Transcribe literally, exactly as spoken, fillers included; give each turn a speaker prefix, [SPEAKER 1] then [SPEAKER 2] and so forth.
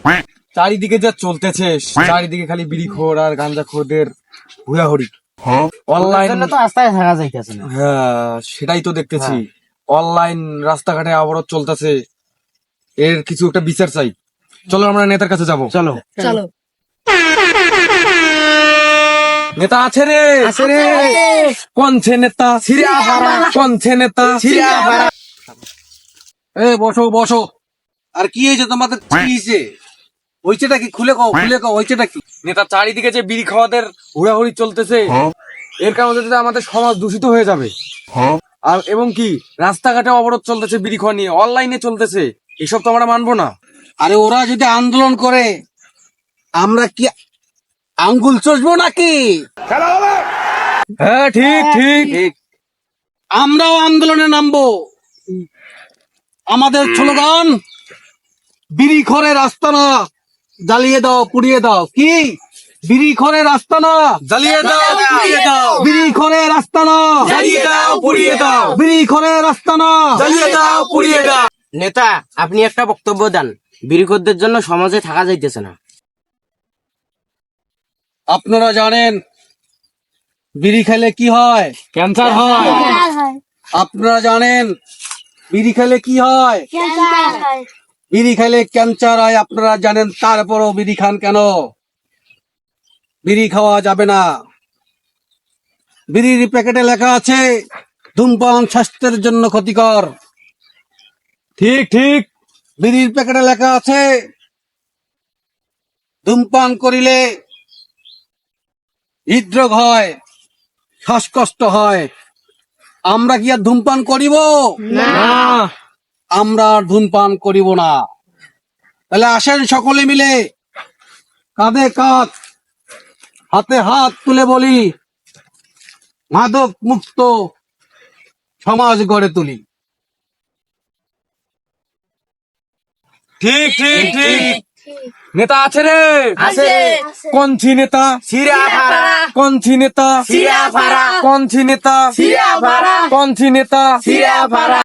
[SPEAKER 1] চারিদিকে যা চলতেছে, চারিদিকে খালি বিড়িখোর আর গাঁজাখোরদের হুড়াহুড়ি। অনলাইন
[SPEAKER 2] তো রাস্তায় থাকা যাইতেছে না।
[SPEAKER 1] হ্যাঁ, সেটাই তো দেখতেছি। অনলাইন রাস্তাঘাটে অবরোধ চলতেছে, এর কিছু একটা বিচার চাই। চলো আমরা নেতার কাছে যাব।
[SPEAKER 2] চলো
[SPEAKER 3] চলো
[SPEAKER 1] নেতা আছে রে, আছে রে। কোন ছে নেতা? সিরিয়াপাড়া। কোন ছে নেতা? সিরিয়াপাড়া। এ বসো বসো।
[SPEAKER 4] আর কি হয়েছে তোমাদের? কি হয়েছে? হয়েছেটা কি? খুলে কও, খুলে কও, হয়েছেটা কি?
[SPEAKER 1] নেতা, চারিদিকে যে বিড়ি খাওয়াদের হুড়াহুড়ি চলতেছে, এর কারণে আমাদের সমাজ দূষিত হয়ে যাবে। আর এবং কি রাস্তাঘাটে অবরোধ চলতেছে বিড়ি খাওয়া নিয়ে, অনলাইনে চলতেছে, এসব তো আমরা মানবো না।
[SPEAKER 4] আরে ওরা যদি আন্দোলন করে আমরা কি আঙ্গুল চষবো নাকি?
[SPEAKER 1] হ্যাঁ, ঠিক ঠিক।
[SPEAKER 4] ঠিক। আমরাও আন্দোলনে নামবো। আমাদের স্লোগান, বিড়ি খরে রাস্তা না, জ্বালিয়ে দাও, পুড়িয়ে দাও। কি? বিড়ি খরে রাস্তা না,
[SPEAKER 1] জ্বালিয়ে দাও, পুড়িয়ে দাও।
[SPEAKER 4] বিড়ি খরে রাস্তা না,
[SPEAKER 1] জ্বালিয়ে দাও, পুড়িয়ে দাও।
[SPEAKER 4] বিড়ি খরে রাস্তা না,
[SPEAKER 1] জ্বালিয়ে দাও, পুড়িয়ে দাও।
[SPEAKER 2] নেতা, আপনি একটা বক্তব্য দেন। বিড়িখোরদের জন্য সমাজে থাকা যাইতেছে না।
[SPEAKER 4] আপনারা জানেন বিড়ি খেলে কি হয়?
[SPEAKER 1] ক্যান্সার হয়।
[SPEAKER 4] আপনারা জানেন বিড়ি খেলে কি হয়? বিড়ি খেলে ক্যান্সার হয়। আপনারা জানেন, তারপরও বিড়ি খান কেন? বিড়ি খাওয়া যাবে না। বিড়ির প্যাকেটে লেখা আছে ধূমপান স্বাস্থ্যের জন্য ক্ষতিকর।
[SPEAKER 1] ঠিক ঠিক।
[SPEAKER 4] বিড়ির প্যাকেটে লেখা আছে ধূমপান করিলে হৃদরোগ হয়, শ্বাসকষ্ট হয়। আমরা কি আর ধূমপান করিব?
[SPEAKER 1] না।
[SPEAKER 4] আমরা আর ধূমপান করিব না। তাহলে আসেন সকলে মিলে কাঁধে কাঁধ, হাতে হাত তুলে বলি, মাদক মুক্ত সমাজ গড়ে তুলি।
[SPEAKER 1] ঠিক ঠিক ঠিক। নেতা আছে রে,
[SPEAKER 3] আছে।
[SPEAKER 1] কোন ছি নেতা?
[SPEAKER 2] সিরিয়াপাড়া।
[SPEAKER 1] কোন ছি নেতা?
[SPEAKER 2] সিরিয়াপাড়া।
[SPEAKER 1] কোন ছি নেতা?
[SPEAKER 2] সিরিয়াপাড়া।
[SPEAKER 1] কোন ছি নেতা?
[SPEAKER 2] সিরিয়াপাড়া।